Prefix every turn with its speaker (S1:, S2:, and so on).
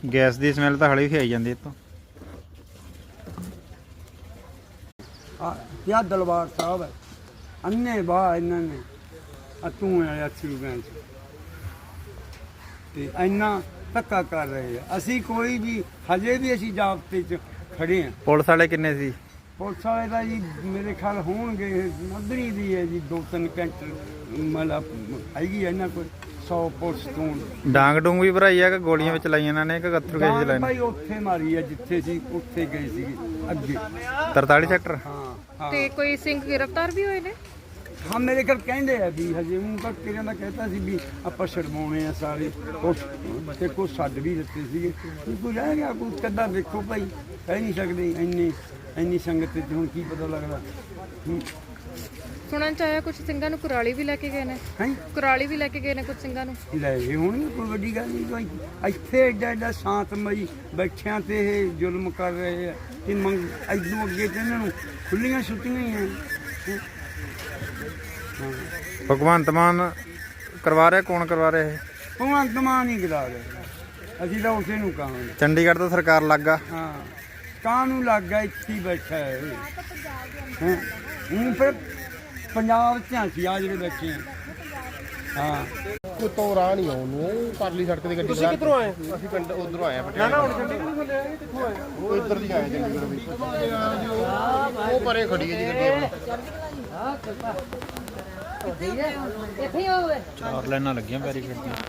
S1: Gas ਦੀ smell ਤਾਂ ਹਲੇ ਵੀ ਆਈ ਜਾਂਦੀ ਇੱਥੋਂ।
S2: ਯਾ ਦਲਬਾਰ ਸਾਹਿਬ ਹੈ ਅੰਨੇ ਬਾਹ ਇਹਨਾਂ ਨੇ ਤੂੰ ਆਇਆ ਚੂਗਾਂ ਚ ਤੇ ਇੰਨਾ ਧੱਕਾ ਕਰ ਰਹੇ ਆ। ਅਸੀਂ ਕੋਈ ਵੀ ਹਜੇ ਵੀ ਅਸੀਂ ਜਾਬਤੇ ਚ ਖੜੇ ਆ।
S1: ਪੁਲਿਸ ਵਾਲੇ ਕਿੰਨੇ ਸੀ?
S2: ਪੁਲਿਸ ਵਾਲੇ ਦਾ ਜੀ ਮੇਰੇ ਖਿਆਲ ਹੋਣਗੇ ਨਗਰੀ ਦੀ ਹੈ ਜੀ 2-3 ਘੰਟੇ ਮਤਲਬ ਹੈਗੀ ਆ ਇਹਨਾਂ ਕੋਲ 100 ਪੁਲਿਸ ਤੋਂ।
S1: ਡਾਂਗ ਡੂੰਗ ਵੀ ਭਰਾਈ ਆ ਕਿ ਗੋਲੀਆਂ ਵਿੱਚ ਚਲਾਈਆਂ ਇਹਨਾਂ ਨੇ ਕਿ ਗੱਥਰੂ ਗੈਸ ਚਲਾਏ ਨੇ?
S2: ਭਾਈ ਉੱਥੇ ਮਾਰੀ ਆ ਜਿੱਥੇ ਸੀ ਉੱਥੇ ਗਏ ਸੀਗੇ ਅੱਗੇ
S1: 43 ਸੈਕਟਰ।
S2: ਹਾਂ
S3: ਤੇ ਕੋਈ ਸਿੰਘ ਗ੍ਰਿਫਤਾਰ ਵੀ ਹੋਏ ਨੇ?
S2: ਹਾਂ ਮੇਰੇ ਘਰ ਕਹਿੰਦੇ ਆ ਵੀ ਹਜੇ ਉਹ ਤਾਂ ਕਿਰਿਆਂ ਦਾ ਕਹਿੰਦਾ ਸੀ ਵੀ ਆਪਾਂ ਛਡਵਾਉਣੇ ਆ ਸਾਰੇ ਕੁਛ ਤੇ ਕੁਛ ਛੱਡ ਵੀ ਦਿੱਤੇ ਸੀਗੇ। ਕੋਈ ਰਹਿ ਗਿਆ ਕੋਈ ਕੱਦਾ ਵੇਖੋ ਭਾਈ ਕਹਿ ਨਹੀਂ ਸਕਦੇ ਇੰਨੀ ਸੰਗਤ ਤੇ ਹੁਣ ਕੀ ਪਤਾ ਲੱਗਦਾ।
S3: ਸੁਣਨ ਚ ਆਇਆ ਕੁਝ ਸਿੰਘਾਂ ਨੂੰ ਕੁਰਾਲੀ ਵੀ ਲੈ ਕੇ ਗਏ ਨੇ।
S2: ਹੈ
S3: ਕੁਰਾਲੀ ਵੀ ਲੈ ਕੇ ਗਏ ਨੇ ਕੁਝ ਸਿੰਘਾਂ ਨੂੰ।
S2: ਲੈ ਗਏ ਹੋਣਗੇ ਕੋਈ ਵੱਡੀ ਗੱਲ ਨਹੀਂ। ਕੋਈ ਇੱਥੇ ਐਡਾ ਸ਼ਾਂਤਮਈ ਬੈਠਿਆਂ ਤੇ ਇਹ ਜ਼ੁਲਮ ਕਰ ਰਹੇ ਆ ਕਿ ਇਦੋਂ ਅੱਗੇ ਤੇ ਇਹਨਾਂ ਨੂੰ ਖੁੱਲੀਆਂ ਛੁੱਟੀਆਂ ਹੀ ਆ।
S1: ਭਗਵੰਤ ਮਾਨ ਕਰਵਾ ਰਿਹਾ? ਕੌਣ ਕਰਵਾ ਰਿਹਾ ਇਹ?
S2: ਭਗਵੰਤ ਮਾਨ ਨਹੀਂ ਕਰਾ ਰਹੇ। ਅਸੀਂ ਤਾਂ ਉਸੇ ਨੂੰ ਕਹਾਂਗੇ।
S1: ਚੰਡੀਗੜ੍ਹ ਤੋਂ ਸਰਕਾਰ ਲੱਗਾ।
S2: ਹਾਂ ਕਾਹਨੂੰ ਲੱਗ ਗਿਆ ਇੱਥੇ ਹੀ ਬੈਠਾ ਹੈ ਹੁਣ ਫਿਰ ਪੰਜਾਬ ਝਾਂਸੀ ਆ ਜਿਹੜੇ ਬੈਠੇ ਆ। ਹਾਂ
S4: ਉਤੋਂ ਰਾਹ ਨਹੀਂ ਆਉਣ ਨੂੰ ਪਰਲੀ ਸੜਕ ਦੀ ਗੱਡੀ। ਤੁਸੀਂ ਕਿੱਧਰੋਂ ਆਏ? ਅਸੀਂ ਪਿੰਡ ਉਧਰੋਂ ਆਏ ਆ ਪਟਿਆਲਾ। ਨਾ ਹੁਣ ਗੱਡੀ ਨਹੀਂ ਥੱਲੇ ਆਏ ਕਿੱਥੋਂ ਆਏ? ਉਹ ਇੱਧਰ ਦੀ ਆਏ ਚੰਡੀਗੜ੍ਹ ਵਿੱਚ। ਉਹ ਪਰੇ ਖੜੀ ਹੈ ਜੀ ਗੱਡੀ ਆਪਣੀ।
S1: 4 ਲਾਈਨਾਂ ਲੱਗੀਆਂ ਬੈਰੀਕੇਡ ਦੀਆਂ।